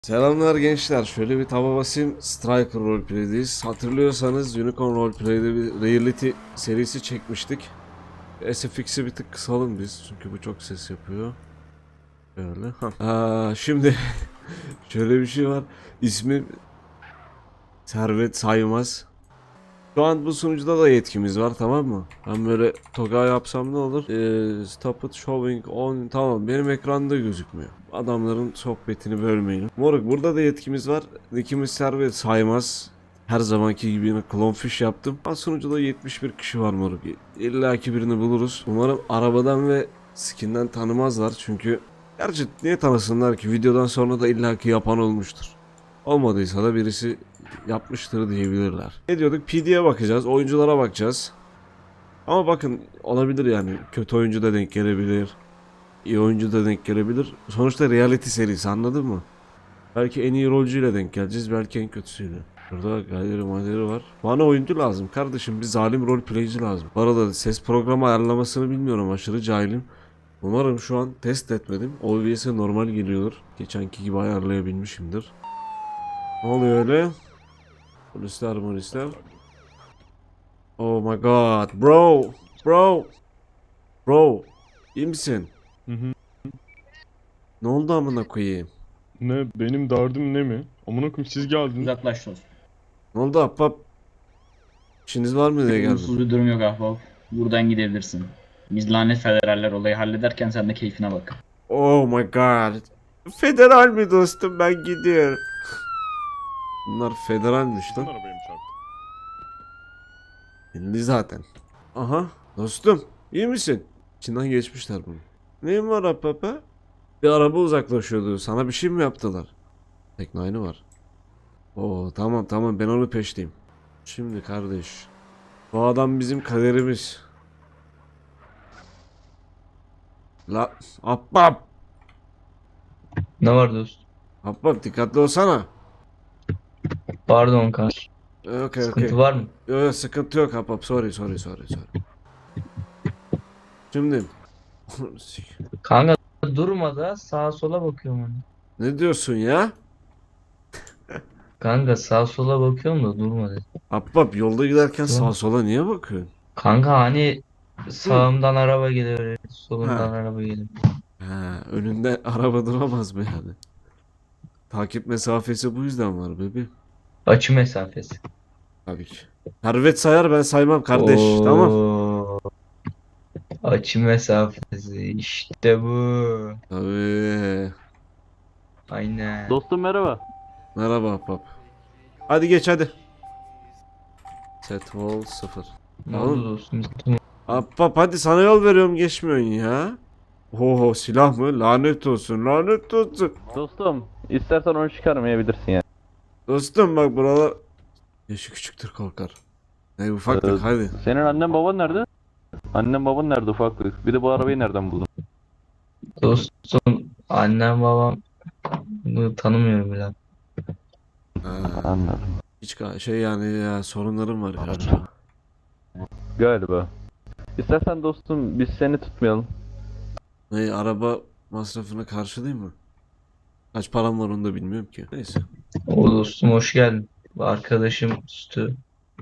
Selamlar gençler. Şöyle bir taba basayım. Striker Roleplay'deyiz. Hatırlıyorsanız Unicorn Roleplay'de bir reality serisi çekmiştik. SFX'i bir tık kısalım biz. Çünkü bu çok ses yapıyor. Böyle. Şimdi şöyle bir şey var. İsmi Servet Saymaz. Şu an bu sunucuda da yetkimiz var, tamam mı? Ben böyle toga yapsam ne olur? Stop it showing on, tamam, benim ekranda gözükmüyor. Adamların sohbetini bölmeyin. Moruk, burada da yetkimiz var. Nickimiz Servet Saymaz. Her zamanki gibi yine clownfish yaptım. Sunucuda 71 kişi var moruk. İlla ki birini buluruz. Umarım arabadan ve skinden tanımazlar. Çünkü gerçi niye tanısınlar ki? Videodan sonra da illaki yapan olmuştur. Olmadıysa da birisi yapmıştır diyebilirler. Ne diyorduk? PD'ye bakacağız, oyunculara bakacağız. Ama bakın, olabilir yani. Kötü oyuncu da denk gelebilir. İyi oyuncu da denk gelebilir. Sonuçta reality serisi, anladın mı? Belki en iyi rolcuyla denk geleceğiz, belki en kötüsüyle. Burada galeri var. Bana oyuncu lazım kardeşim, bir zalim roleplayci lazım. Bu arada ses programı ayarlamasını bilmiyorum, aşırı cahilim. Umarım şu an test etmedim. OBS'e normal geliyordur. Geçenki gibi ayarlayabilmişimdir. Ne oluyor öyle? Polisler. Oh my god. Bro. İyi misin? Hı hı. Ne oldu amına koyayım? Ne benim derdim ne mi? Amına koyayım siz geldiniz. Uzaklaş dostum. Ne oldu ahbap? İşiniz var mı diye Olumsuz geldim. bir durum yok ahbap. Buradan gidebilirsin. Biz lanet federaller olayı hallederken sen de keyfine bak. Oh my god. Federal mi dostum, ben gidiyorum. Bunlar federalmiş Kim lan. arabayı mı çarptı? İndi zaten. Aha dostum, iyi misin? İçinden geçmişler bunu. Neyin var ahbap ha? Bir araba uzaklaşıyordu. Sana bir şey mi yaptılar? Tekno var. Oo tamam, ben onu peşteyim. Şimdi kardeş, bu adam bizim kaderimiz. La Abbab. Ne var dostum? Abbab, dikkatli olsana. Pardon kanka. Okey. Sıkıntı var mı? Yok, sıkıntı yok Abbab. Sorry. Şimdi Kanka durma da sağa sola bakıyorum hani. ne diyorsun ya? Kanka sağa sola bakıyorum da durma dedi. Abbab, yolda giderken Tamam. sağa sola niye bakıyorsun? Kanka hani Hı. sağımdan araba gelir, solumdan Ha. araba gelir. Önünde araba duramaz mı yani? Takip mesafesi bu yüzden var bebeğim. Açı mesafesi. Tabii ki. Servet sayar, ben saymam kardeş. Tamam. Oo, açı mesafesi işte bu. Tabii. Aynen. Dostum merhaba. Merhaba Abbab. Hadi geç hadi. Set wall 0. Ne Oğlum, oldu dostum? Abbab hadi, sana yol veriyorum, geçmiyorsun ya. Oho, silah mı? Lanet olsun. Dostum istersen onu çıkarmayabilirsin yani. Dostum bak, buralar yaşı küçüktür, korkar. Ne ufaklık, hadi. Senin annen baban nerede? Annen baban nerede ufaklık? Bir de bu arabayı nereden buldun? Dostum annem babam bunu tanımıyorum bile. Anladım. Hiç şey yani ya, sorunlarım var galiba. Galiba. İstersen dostum biz seni tutmayalım. Ne, araba masrafını karşılayayım mı? Kaç param var onu da bilmiyorum ki. Neyse. O dostum hoş geldin. Bu arkadaşım Stu.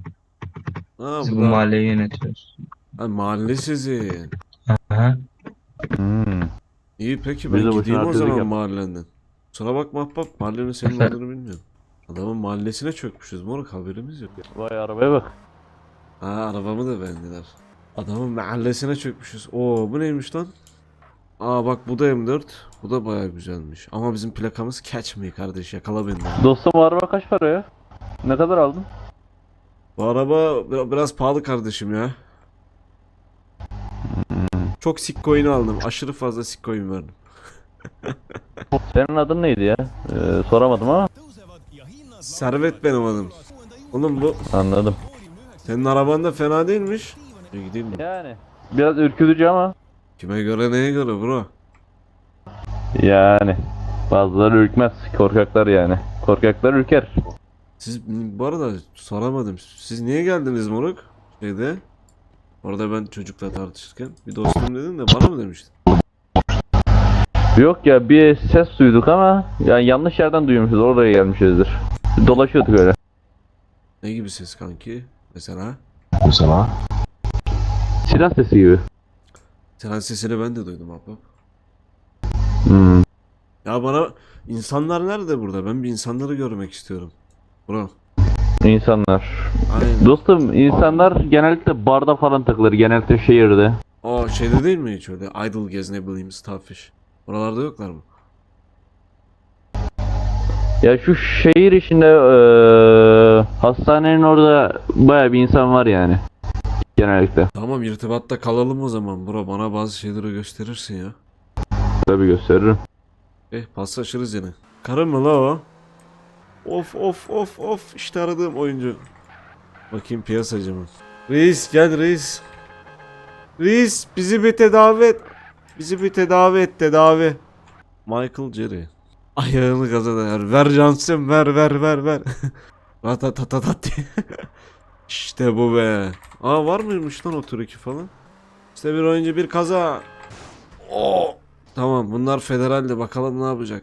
Biz Bu bu da mahalleyi yönetiyoruz. mahalle sizin. Aha. Hmm. İyi, peki Biz ben de boşuna gideyim o artistlik zaman yap. mahallenden. Kusura bakma ahbap, mahallenin senin olduğunu bilmiyorum. Adamın mahallesine çökmüşüz moruk, haberimiz yok. Vay arabaya bak. Arabamı da beğendiler. Adamın mahallesine çökmüşüz. Oo, bu neymiş lan? Bak, bu da M4. Bu da baya güzelmiş. Ama bizim plakamız catch me kardeş, yakala beni. Dostum o araba kaç para ya? Ne kadar aldın? Bu araba biraz pahalı kardeşim ya. Çok sitcoin aldım. Aşırı fazla sitcoin verdim. Senin adın neydi ya? Soramadım ama. Servet benim adım. Oğlum, bu Anladım. senin araban da fena değilmiş. Gideyim mi? Yani biraz ürkütücü ama. Kime göre, neye göre bro? Yani bazıları ürkmez. Korkaklar yani. Korkaklar ürker. Siz, bu arada soramadım. Siz niye geldiniz moruk? Şeyde. Orada ben çocukla tartışırken. Bir dostum dedin de bana mı demiştin? Yok ya, bir ses duyduk ama yani yanlış yerden duymuşuz, oraya gelmişizdir. Dolaşıyorduk öyle. Ne gibi ses kanki? Mesela? Silah sesi gibi. Tren sesini ben de duydum abla. Hmm. Ya bana insanlar nerede burada? Ben bir insanları görmek istiyorum. Bro. İnsanlar. Aynen. Dostum, insanlar genellikle barda falan takılır, genellikle şehirde. O şeyde değil mi hiç öyle? Idle gez ne bileyim Starfish. Oralarda yoklar mı? Ya şu şehir içinde hastanenin orada baya bir insan var yani. Genellikle. Tamam irtibatta kalalım o zaman bro. Bana bazı şeyleri gösterirsin ya. Tabii gösteririm. Paslaşırız yine. Karın mı la o? Of of of of. İşte aradığım oyuncu. Bakayım piyasacı mı? Reis gel reis. Reis bizi bir tedavi et. Bizi bir tedavi et tedavi. Michael Jerry. Ayağını gaza dayar. Ver Johnson ver ver ver ver. Ratatatatat diye. İşte bu be. Aa var mıymış lan o tür iki falan? İşte bir oyuncu bir kaza. Oo. Tamam bunlar federalde bakalım ne yapacak.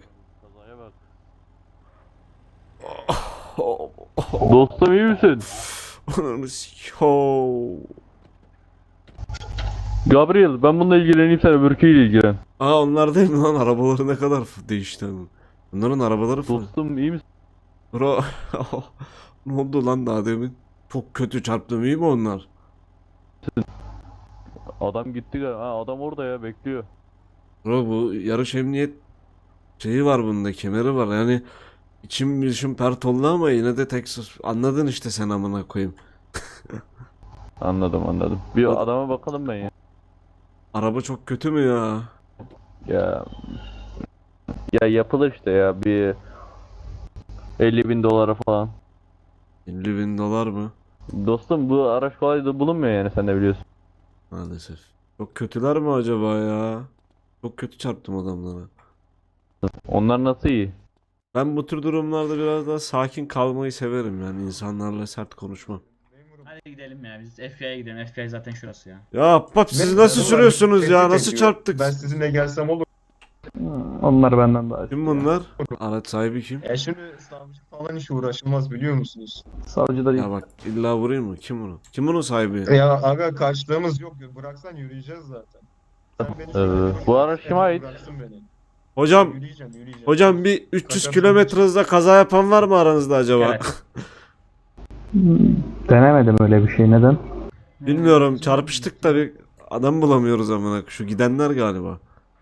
Dostum, iyi misin? Ananı sikeyim. Gabriel, ben bununla ilgileneyim, sen öbürküyle ilgilen. Aa onlar değil mi lan? Arabaları ne kadar değişti. Bunların arabaları falan. Dostum, iyi misin? Bro. Ne oldu lan daha demin? Çok kötü çarptım iyi mi onlar? Adam gitti galiba. Ha, adam orada ya, bekliyor. Bro bu yarış emniyet şeyi var bunda kemeri var yani içim dışım pert oldu ama yine de Texas anladın işte sen amına koyayım. Anladım. Bir O- adama bakalım ben ya. Araba çok kötü mü ya? Ya ya yapılır işte ya, bir 50.000 dolara falan. 50 bin dolar mı? Dostum, bu araç kolay da bulunmuyor yani, sen de biliyorsun. Maalesef. Çok kötüler mi acaba ya? Çok kötü çarptım adamlara. Onlar nasıl iyi? Ben bu tür durumlarda biraz daha sakin kalmayı severim yani insanlarla sert konuşmam. Hadi gidelim ya, biz FBI'ye gidelim. FBI zaten şurası ya. Ya Ahbap siz Ne- nasıl adamlar sürüyorsunuz ya? tehdit Nasıl ediyor. çarptık? Ben sizinle gelsem olur. Onlar benden daha Kim bunlar? Araç sahibi kim? Ya şimdi savcı falan hiç uğraşılmaz biliyor musunuz? Savcılar Ya bak illa vurayım mı? Kim bunu? Kim bunun sahibi? Ya aga karşılığımız yok. Bıraksan yürüyeceğiz zaten. Sen beni şöyle Bu araç kime ait? bıraksın beni. Hocam, Yürüyeceğim. hocam bir 300 Kaçak kilometre hızla kaza yapan var mı aranızda acaba? Evet. Denemedim öyle bir şey. Neden? Bilmiyorum. Çarpıştık da bir adam bulamıyoruz amına. Şu gidenler galiba.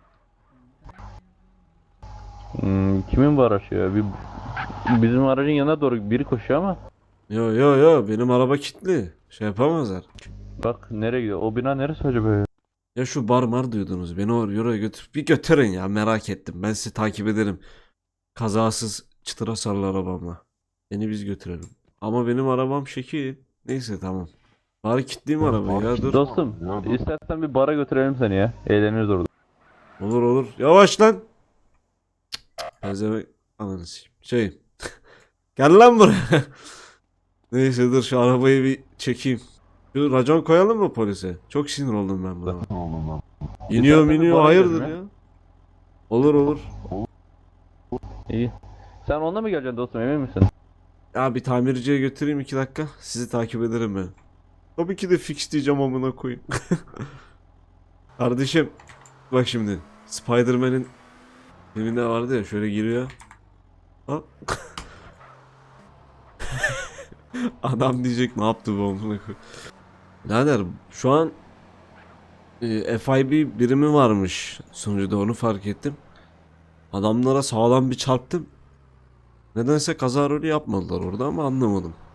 Kimin bu araç ya? Bizim aracın yanına doğru biri koşuyor ama Yo yo yo benim araba kilitli. Şey yapamazlar. bak nereye gidiyor? O bina neresi acaba ya? Ya şu bar mar diyordunuz. Beni oraya götür. Bir götürün ya merak ettim. Ben sizi takip ederim. Kazasız çıtır hasarlı arabamla. Beni biz götürelim. Ama benim arabam şekil. Neyse tamam. Bari kilitleyeyim arabayı ya dur. Dostum, istersen bir bara götürelim seni ya. Eğleniriz orada. Olur olur. Yavaş lan. Pezevenk. Ananı sikeyim. Şey. Gel lan buraya. Neyse dur şu arabayı bir çekeyim. Şu racon koyalım mı polise? Çok sinir oldum ben buna. İniyor İstersen bir iniyor bara hayırdır gidelim ya. Olur olur. İyi. Sen onunla mı geleceksin dostum, emin misin? Ya bir tamirciye götüreyim 2 dakika. Sizi takip ederim ben. Tabii ki de fix diyeceğim amına koyayım. Kardeşim. Bak şimdi. Spider-Man'in filminde vardı ya şöyle giriyor. Ha? Adam diyecek ne yaptı bu amına koyayım. Birader şu an FIB birimi varmış sunucuda onu fark ettim. Adamlara sağlam bir çarptım. Nedense kaza rolü yapmadılar orada ama anlamadım.